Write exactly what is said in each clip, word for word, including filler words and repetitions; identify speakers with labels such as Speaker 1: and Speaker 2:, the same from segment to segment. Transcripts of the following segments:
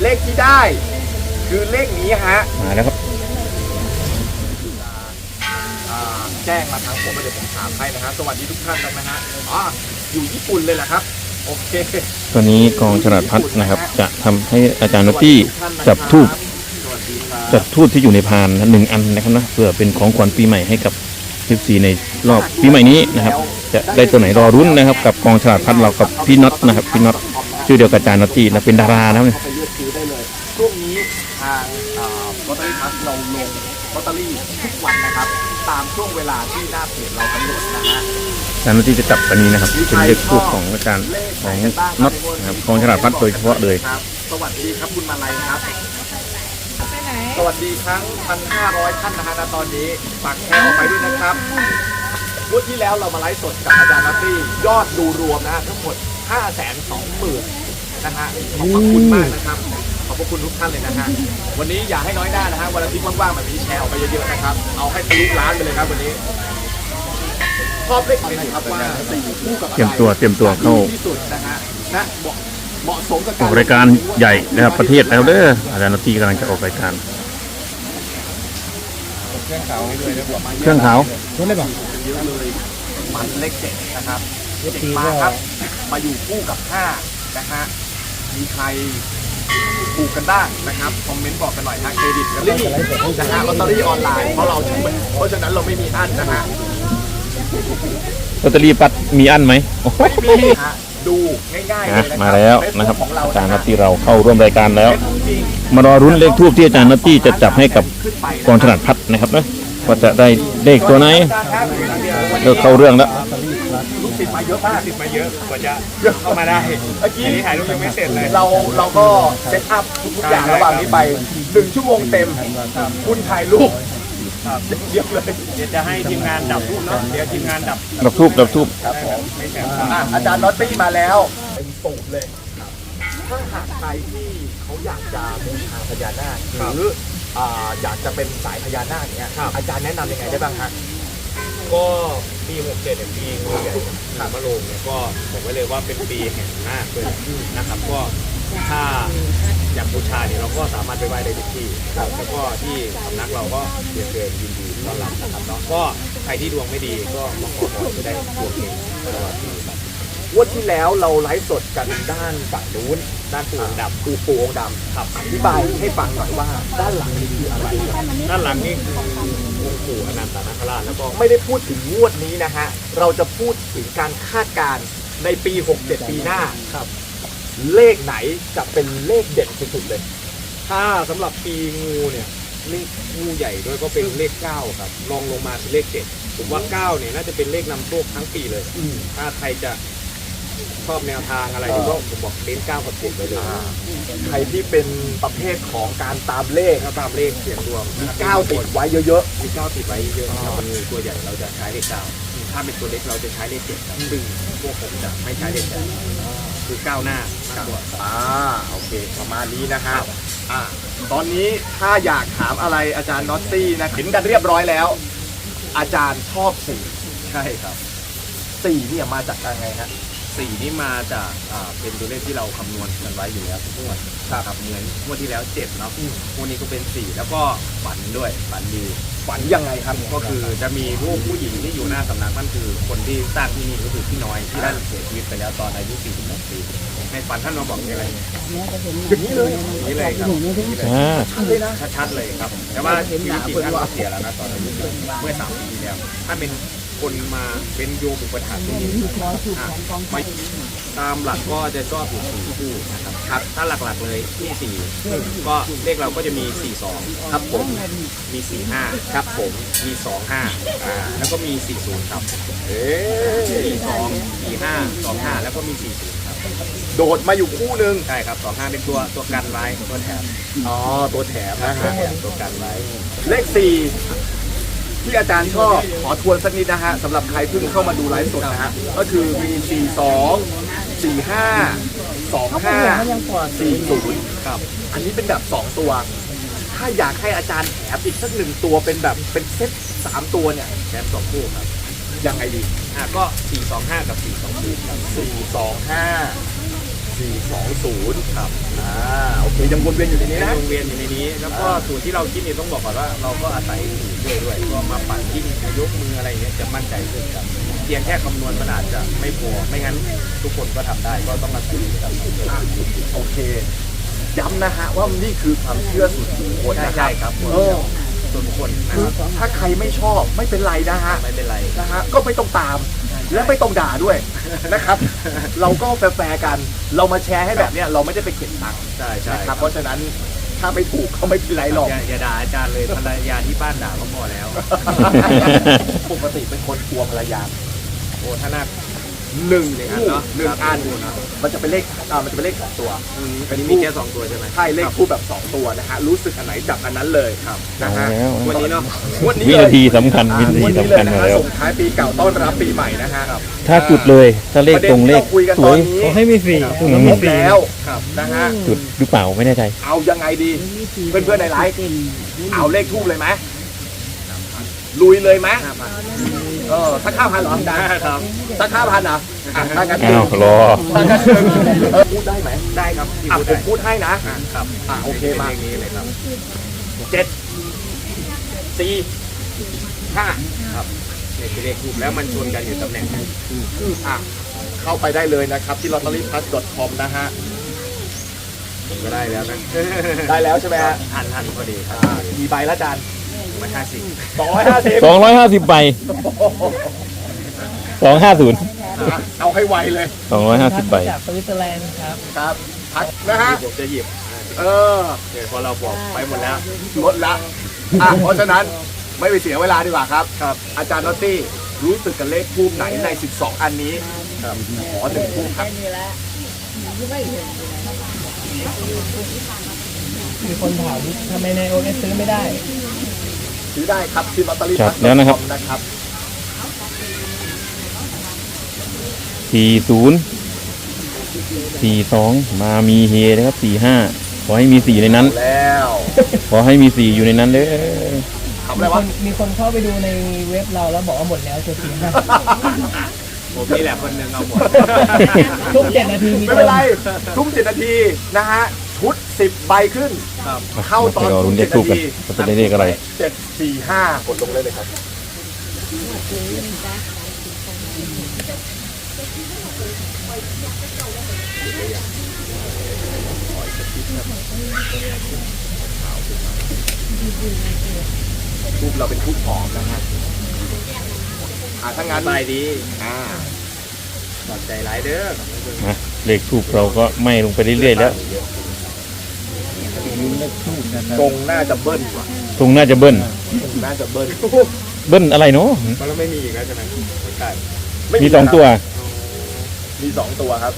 Speaker 1: เลขที่ได้คือเลขนี้ฮะ
Speaker 2: มาแล้วครับ
Speaker 1: แจ้งมาทางผมเดี๋ยวผมถามให้นะฮะสวัสดีทุกท่านนะฮะอ๋ออยู่ญี่ปุ่นเลยแหละครับโอเค
Speaker 2: ตอนนี้กองฉลาดพัดนะครับจะทำให้อาจารย์นอตตี้จับทูบจับทูบที่อยู่ในพานหนึ่งอันนะครับนะเพื่อเป็นของขวัญปีใหม่ให้กับสิบสี่ในรอบปีใหม่นี้นะครับจะได้ตัวไหนรอรุ้นนะครับกับกองฉลาดพัดเรากับพี่น็อตนะครับพี่น็อตชื่อเดียวกับอาจารย์นอตตี้นะเป็นดารานะเนี่ย
Speaker 1: ช่วงนี้ทางลอตเตอรี่พัดเราลงลอตเตอรี่ทุกวันนะครับตามช่วงเวลาที่หน้าเพจเรากำหนดนะฮะ
Speaker 2: อาจารย์นอตตี้จะจับอันนี้นะครับเป็นเลขทูบของอาจารย์ของน็อตนะครับกองฉลาดพัดโดยเฉพาะเลย
Speaker 1: สวัสดีครับคุณมาลัยครับสวัสดีทั้ง หนึ่งพันห้าร้อย ท่านนะฮะณตอนนี้ฝากแชร์ออกไปด้วยนะครับงวดที่แล้วเรามาไลฟ์สดกับอาจารย์นัตตี้ยอดดูรวมนะฮะทั้งหมด ห้าแสนสองหมื่น นะฮะขอบพระคุณมากนะครับขอบพระคุณทุกท่านเลยนะฮะวันนี้อย่าให้น้อยหน้านะฮะวันอาทิตย์ว่างๆแบบนี้แชร์ออกไปเยอะๆนะครับเอาให้ทะลุล้านไปเลยครับวันนี้ชอบเลขอะไรครับว่าสี่คู่กับ
Speaker 2: เตรียมตัวเตรียมตัวเข้า
Speaker 1: ที่สุดนะฮะนะเหมาะสมกับ
Speaker 2: ออกรายการใหญ่นะครับประเทศแล้วเด้ออาจารย์นอตตี้กำลังจะออกรายการ
Speaker 1: เครื่องขาวให้ด้วยนะผม
Speaker 2: เครื่องขาว
Speaker 1: เยอะเลยป่ะเยอะเลยมันเลขเจ็ดนะครับเจ็ดมาครับมาอยู่คู่กับห้านะฮะมีใครถูกกันบ้างนะครับคอมเมนต์บอกกันหน่อยฮะเครดิตกันนี่นะฮะลอตเตอรี่ออนไลน์เพราะเราเพราะฉะนั้นเราไม่มีอั้นนะฮะ
Speaker 2: ลอตเตอรี่ปัดมีอั้นไหม
Speaker 1: ไม่มีฮะดูง่ายๆเลย
Speaker 2: มาแล้วนะครับอาจารย์นอตตี้เราเข้าร่วมรายการแล้วมารอรุ้นเลขทูบที่อาจารย์นอตตี้จะจับให้กับกองฉลาดพัดนะครับนะว่าจะได้เลขตัวไหนเลิกเข้าเรื่องแล้ว
Speaker 1: ลูกศิษย์มาเยอะมากศิษย์มาเยอะกว่าจะเข้ามาได้เมื่อกี้
Speaker 3: ถ่ายรูปยังไม่เสร็จเลย
Speaker 1: เราเราก็เซตอัพทุกอย่างระหว่างนี้ไปหนึ่งชั่วโมงเต็มคุณถ่ายรูปเดี๋ยวเลย
Speaker 3: เดี๋ยวจะให้ทีมงานดับทูบเนาะเดี๋ยวทีมงานดับ
Speaker 2: ดับทูบดับทูบ
Speaker 1: ครับผมอาจารย์นอตตี้มาแล้วเป็นสูตรเลยถ้าหากใครที่เขาอยากจะบูชาพญานาคหรืออยากจะเป็นสายพญานาคเนี้ยอาจารย์แนะนำยังไงได้บ้างฮะ
Speaker 3: ก็ปีหกเจ็ดเนี่ยปีงูใหญ่ขามะโรงเนี่ยก็บอกไว้เลยว่าเป็นปีแห่งนาคเลยนะครับก็ถ้าอยากบูชาเนี่ยเราก็สามารถไปไหว้ได้ทุกที่แล้วก็ที่สำนักเราก็เรียนเชิญยินดีต้อนรับนะครับเนาะก็ใครที่ดวงไม่ดีก็มาขอพรจะได้ดวงเฮงตลอดปีครับ
Speaker 1: วันที่แล้วเราไลฟ์สดกันด้านฝั่งนู้นด้านปูองดำปูปูองดำครับอธิบายให้ฟังหน่อยว่าด้านหลังนี่คืออะไร
Speaker 3: ด้านหลังนี่คือองค์ปู่อนันตนาคราชแล้วก็
Speaker 1: ไม่ได้พูดถึงงวดนี้นะฮะเราจะพูดถึงการคาดการณ์ในปีหกเจ็ดปีหน้าครับเลขไหนจะเป็นเลขเด่นสุดๆเลย
Speaker 3: ถ้าสำหรับปีงูเนี่ยเลขงูใหญ่ด้วยก็เป็นเลขเก้าครับรองลงมาคือเลขเจ็ดผมว่าเก้าเนี่ยน่าจะเป็นเลขนำโชคทั้งปีเลยถ้าใครจะชอบแนวทางอะไรก็ผมบอกเน้นเก้ากับเจ็ดไปเลย
Speaker 1: ใครที่เป็นประเภทของการตามเลข
Speaker 3: ถ้าตามเลขเสี่ยงดวง
Speaker 1: มีเก้าติดไว้เยอะ
Speaker 3: ๆมีเก้าติดไว้เยอะๆถ้าเป็นตัวใหญ่เราจะใช้เลขเก้าถ้าเป็นตัวเล็กเราจะใช้เลขเจ็ดครับซึ่งพวกผมจะไม่ใช้เลขเจ็ดคือก้าวหน้ามากกว่า
Speaker 1: อ่าโอเคประมาณนี้นะครับอ่าตอนนี้ถ้าอยากถามอะไรอาจารย์น็อตตี้นะเห็นกันเรียบร้อยแล้วอาจารย์ชอบสี่
Speaker 3: ใช่ครับ
Speaker 1: สี่นี่มาจากยังไงฮะ
Speaker 3: สี่นี่มาจากอ่าเป็นตัวเลขที่เราคำนวณกันไว้อยู่แล้วทุกงวดครับเหมือนงวดที่แล้วเจ็ดเนาะงวดนี้ก็เป็นสี่แล้วก็ฝันด้วยฝันดี
Speaker 1: ฝันยังไงครับ
Speaker 3: ก็คือจะมีผู้ผู้หญิงที่อยู่หน้าสำนักนั่นคือคนที่สร้างที่นี่ก็คือพี่น้อยที่ท่านเสียชีวิตไปแล้วตอนอายุสี่สิบหกปีในฝันท่านมาบอกอะไร
Speaker 1: อย่างนี้เลย
Speaker 3: นี่เลยครับ
Speaker 1: ชัดเลยนะ
Speaker 3: ชัดเลยครับแต่ว่าชีวิตจริงท่านก็เสียแล้วนะตอนอายุเมื่อสามปีที่แล้วท่านเป็นคนมาเป็นโยมอุปถัมภ์ที่นี่ไม่ตามหลักก็จะชอบอยู่สี่คู่นะครับครับถ้าหลักๆเลยที่สี่ก็เลขเราก็จะมีสี่สองครับผมมีสี่ห้าครับผมมีสองห้าอ่าแล้วก็มีสี่ศูนย์ครับเอ๊สี่สองสี่ห้าสองห้าแล้วก็มีสี่ศูนย์ครับ
Speaker 1: โดดมาอยู่คู่หนึ่ง
Speaker 3: ใช่ครับสองห้าเป็นตัวตัวกันไว้ตัวแถม
Speaker 1: อ๋อตัวแถมนะฮะ
Speaker 3: ตัวกันไว้
Speaker 1: เลขสี่ที่อาจารย์ชอบขอทวนสักนิดนะฮะสำหรับใครเพิ่งเข้ามาดูไลฟ์สดนะฮะก็คือมีสี่สองสี่ห้าสองห้าสี่ศูนย์ครับอันนี้เป็นแบบสองตัวถ้าอยากให้อาจารย์แถมอีกสักหนึ่งตัวเป็นแบบเป็นเซตสามตัวเนี่ย
Speaker 3: แถมสองคู่ครับ
Speaker 1: ยังไงดี
Speaker 3: อ่ะก็สี่สองห้ากับสี่สองสี่ครับ
Speaker 1: สี่สองห้าสสี่สองศูนย์ครับอ่าโอเคยังวนเวียนอยู่ในนี้นะ
Speaker 3: วงเวียนอยู่ในนี้ แล้วก็สูตรที่เราคิดนี่ต้องบอกก่อนว่าเราก็อาศัยสูตรด้วยด้วยก็มาปั่นยิ่งยกมืออะไรเงี้ยจะมั่นใจขึ้นครับเพียงแค่คำนวณมันอาจจะไม่พอไม่งั้นทุกคนก็ทำได้ก็ต้องอาศัยครับ
Speaker 1: อ่ะโอเคย้ำนะฮะว่านี่คือความเชื่อส่วนบุคคล
Speaker 3: ใช่
Speaker 1: นะค
Speaker 3: ใช่
Speaker 1: รับ
Speaker 3: ครับ
Speaker 1: เออ
Speaker 3: ส่วนบุคคลนะ
Speaker 1: คือ
Speaker 3: ครับ
Speaker 1: ถ้าใครไม่ชอบไม่เป็นไรนะฮะ
Speaker 3: ไม่เป็นไร
Speaker 1: นะฮะก็ไม่ต้องตามและไม่ต้องด่าด้วยนะครับ เราก็แฟร์ๆกัน เรามาแชร์ให้แบบเนี้ยเราไม่ได้ไปเก็บตังค์
Speaker 3: ใช่ใช่
Speaker 1: นะครับเพราะฉะนั้นถ้าไม่ถูกก็ไม่เป็นไรหรอก
Speaker 3: อย่าอย่าด่าอาจารย์เลยภรรยาที่บ้านด่าก็พอแล้ว
Speaker 1: ปกติเป็นคนกลัวภรรยา
Speaker 3: โอ้ถ้าน่า
Speaker 1: หนึ่ง
Speaker 3: หนึ่งอั
Speaker 1: คู่
Speaker 3: นเนอะ
Speaker 1: หนึ่ง
Speaker 3: ครับ
Speaker 1: อัน
Speaker 3: หนึ่งคู่เนอะ
Speaker 1: มันจะเป็นเลขอ่ามันจะเป็นเลขสองตัว
Speaker 3: อืมอันนี้มีแค่สองตัวใช่ไหม
Speaker 1: ใช่เลขคู่แบบสองตัวนะฮะรู้สึกอันไหนจับอันนั้นเลย
Speaker 3: ครับ
Speaker 1: นะฮะ
Speaker 2: เอาแล้ว
Speaker 3: วันนี้เนาะ
Speaker 1: วันนี้
Speaker 2: วิ
Speaker 1: เลย
Speaker 2: นาทีสำคัญวินาที
Speaker 1: วันนี้
Speaker 2: สำ
Speaker 1: เลย
Speaker 2: คัญ
Speaker 1: นะ
Speaker 2: มา
Speaker 1: ฮะ
Speaker 2: แล้ว
Speaker 1: ส่งท้ายปีเก่าต้อนรับปีใหม่นะฮะ
Speaker 2: ถ้าจุดเลยถ้าเลขตรงเลข
Speaker 1: ประด็นที่าคุยกัน
Speaker 2: ส
Speaker 1: ต
Speaker 2: ว
Speaker 1: อน
Speaker 2: ย
Speaker 1: นี้
Speaker 4: ขอให้มีสี่
Speaker 2: อืม
Speaker 1: ครบแล้ว
Speaker 3: ครับ
Speaker 1: นะฮะ
Speaker 2: จุดหรือเปล่าไม่แน่ใจ
Speaker 1: เอายังไงดี เพื่อนๆในไลฟ์เอาเลขทูบเลยไหมลุยเลยไหมเออสักห้าพันเหรอดัง
Speaker 3: ครับ
Speaker 1: สักห้าพันเหรออ่ะถ้างั้น
Speaker 2: อ้าวรอ
Speaker 1: ถ้างั้นเชิญเออพูดได้ไหม
Speaker 3: ได้ครับที่
Speaker 1: อ่ะ
Speaker 3: พูด
Speaker 1: ผ
Speaker 3: ได้
Speaker 1: มพูดให้นะ
Speaker 3: อ่ะครับ
Speaker 1: อ่ะโอเคมา
Speaker 3: ป็นลขนี้เลยครับ
Speaker 1: เจ็ดสี่ห้า
Speaker 3: ครับเนี่ยคือเลขทูบแล้วมันชนกันอยู่ตำแหน่งนั้น
Speaker 1: อ่ะเข้าไปได้เลยนะครับที่ ลอตเตอรี่พลัส ดอท คอม นะฮะ
Speaker 3: ผมก็ได้แล้วนะ
Speaker 1: ได้แล้วใช่ไหมฮะ
Speaker 3: ทันทันพอดีครับ
Speaker 1: อ่ากี่ใบละจาน
Speaker 3: มาห้าสิบ
Speaker 1: สองร้อยห้าสิบ
Speaker 2: สองร้อยห้าสิบใบสองห้าศูนย์
Speaker 1: เอาให้ไวเลย
Speaker 2: สองร้อยห้าสิบใบ
Speaker 4: จากสวิตเซอร์แลนด์ครับ
Speaker 1: ครับพัดนะฮะ
Speaker 3: ผมจะหยิบ
Speaker 1: เออ
Speaker 3: เดี๋ยวพอเราบอกไปหมดแล้ว
Speaker 1: ลดละอ่ะเพราะฉะนั้นไม่ไปเสียเวลาดีกว่าครับ
Speaker 3: ครับ
Speaker 1: อาจารย์นอตตี้รู้สึกกับเลขทูบไหนใน สิบสอง อันนี้
Speaker 3: ครับ
Speaker 1: ขอหนึ่งทูบครับ
Speaker 4: มีคนถามทำไมในโอเอสซื้อไม่ได้
Speaker 1: ซื้อได้ครับที่ ลอตเตอรี่
Speaker 2: ค
Speaker 1: พ
Speaker 2: รั
Speaker 1: ลั
Speaker 2: บ
Speaker 1: ส
Speaker 2: แล้วนะครับ
Speaker 1: นะครับ
Speaker 2: สี่ศูนย์สี่สองมามีเฮนะครับสี่ห้าขอให้มีสี่ในนั้น
Speaker 1: แล้ว
Speaker 2: ขอให้มีสี่อยู่ในนั้นเลย
Speaker 1: ทำอะไร
Speaker 4: มีค
Speaker 1: วะ
Speaker 4: นมีคนเข้าไปดูในเว็บเราแล้วบอกว่าหมดแล้วเจ็ดสี่ห้า
Speaker 3: ผมนี่แหละคนหนึ่งเอาหมด
Speaker 4: ทุกเจ็ดนาทีมี
Speaker 1: ไม่เป็นไรทุ่มเจ็ดนาทีนะฮะชุดสิบใบขึ้น
Speaker 3: ครับ
Speaker 1: เข้าตอน
Speaker 2: ไปรอลุ้นเลขทูปกันว่าจะได้เลขอะไร
Speaker 1: เจ็ดสี่ห้ากดลงเลยเลยครับ ทูบเราเป็นทูบหอมนะฮะอ่าถ้างาน
Speaker 3: สบายดี
Speaker 1: อ่า
Speaker 3: ขอบใจหลายเด้อ
Speaker 2: นะเลขทูบเราก็ไหม่ลงไปเรื่อยๆแล้ว
Speaker 1: ตรงน่าจะเบิ้ลว่ะ
Speaker 2: ตรงน่าจะเบิ้ล
Speaker 1: ตรงน่าจะเบิ้ล
Speaker 2: เบิ้ลอะไรเนาะ
Speaker 3: มันแล้วไม่มีอีกแล้วใช่ไหมไม่ใช่
Speaker 1: ไ
Speaker 2: มีสองตัว
Speaker 1: มีสองตัวครับ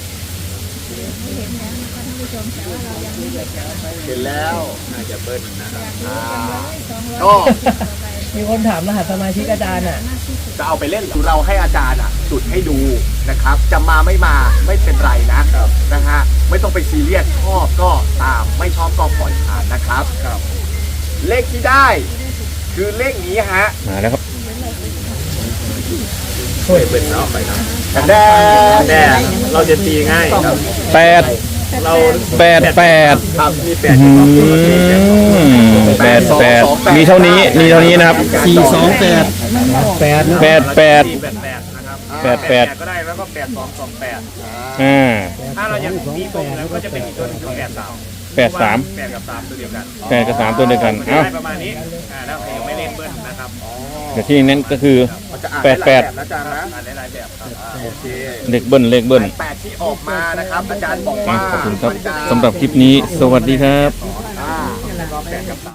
Speaker 1: เห็นแล้ว
Speaker 3: น่าจะเบิ้ลนะครับ
Speaker 1: อ่าก็
Speaker 4: มีคนถามรหัสสมาชิกอาจารย์อ่ะ
Speaker 1: จะเอาไปเล่นเหรอเราให้อาจารย์อ่ะ จุดให้ดูนะครับ จะมาไม่มาไม่เป็นไรนะนะฮะไม่ต้องไปซีเรียสชอบก็ตามไม่ชอบก็ปล่อยผ่านนะครับ
Speaker 3: ครับ
Speaker 1: เลขที่ได้ คือเลขนี้ฮะ
Speaker 2: มาแล้วครับ
Speaker 3: ช่วยเบิ้ลเนาะไปเนาะ
Speaker 1: แดง
Speaker 3: แต่เราจะตีง่ายครับ
Speaker 2: แปด
Speaker 3: เรา
Speaker 2: แปดแปด
Speaker 1: ครับ
Speaker 3: มีแปด
Speaker 2: อื
Speaker 3: อยู่สองตัว
Speaker 2: มแปดแปดมีเท่านี้มีเท่านี้นะครับ
Speaker 4: สี่สองแปดแปด
Speaker 2: แปดแปด
Speaker 3: สี่แปดแปดนะครับ
Speaker 2: แปดแปด
Speaker 3: ก็ได้แล้วก็แปดสองสองแปด
Speaker 2: อ่า
Speaker 3: ถ้าเรายังมีตรงแล้วก็จะเป็นอีกตัวหนึงคือแปดสาม
Speaker 2: แปดสาม
Speaker 3: แปดกับสามตัวเดียวกัน
Speaker 2: แปดกับสามตัวเดียวกัน
Speaker 3: มันจะ
Speaker 2: เอ้า
Speaker 3: ได้ประมาณนี้อ่าแล้วยังไม่เล่นเบิ้ลนะครับอ๋อ
Speaker 2: แต่ที่นั้นก็คือ
Speaker 1: มันจะอ่าน
Speaker 2: แปดแปด
Speaker 1: หลายบบนะอาจารย์นะ
Speaker 3: อ่านหลายๆแบบครับอ่า
Speaker 1: โอเค
Speaker 2: เลขเบิ้ลเลขเบิ้ล
Speaker 1: แปดที่ออกมานะครับ อาจารย์บอก
Speaker 2: อ่ะ
Speaker 1: ว่า
Speaker 2: ขอบคุณครับ
Speaker 1: มันจะ
Speaker 2: สำหรับคลิปนี้ สวัสดีครับ
Speaker 1: อ่า
Speaker 3: แล้วก็แปดกับสาม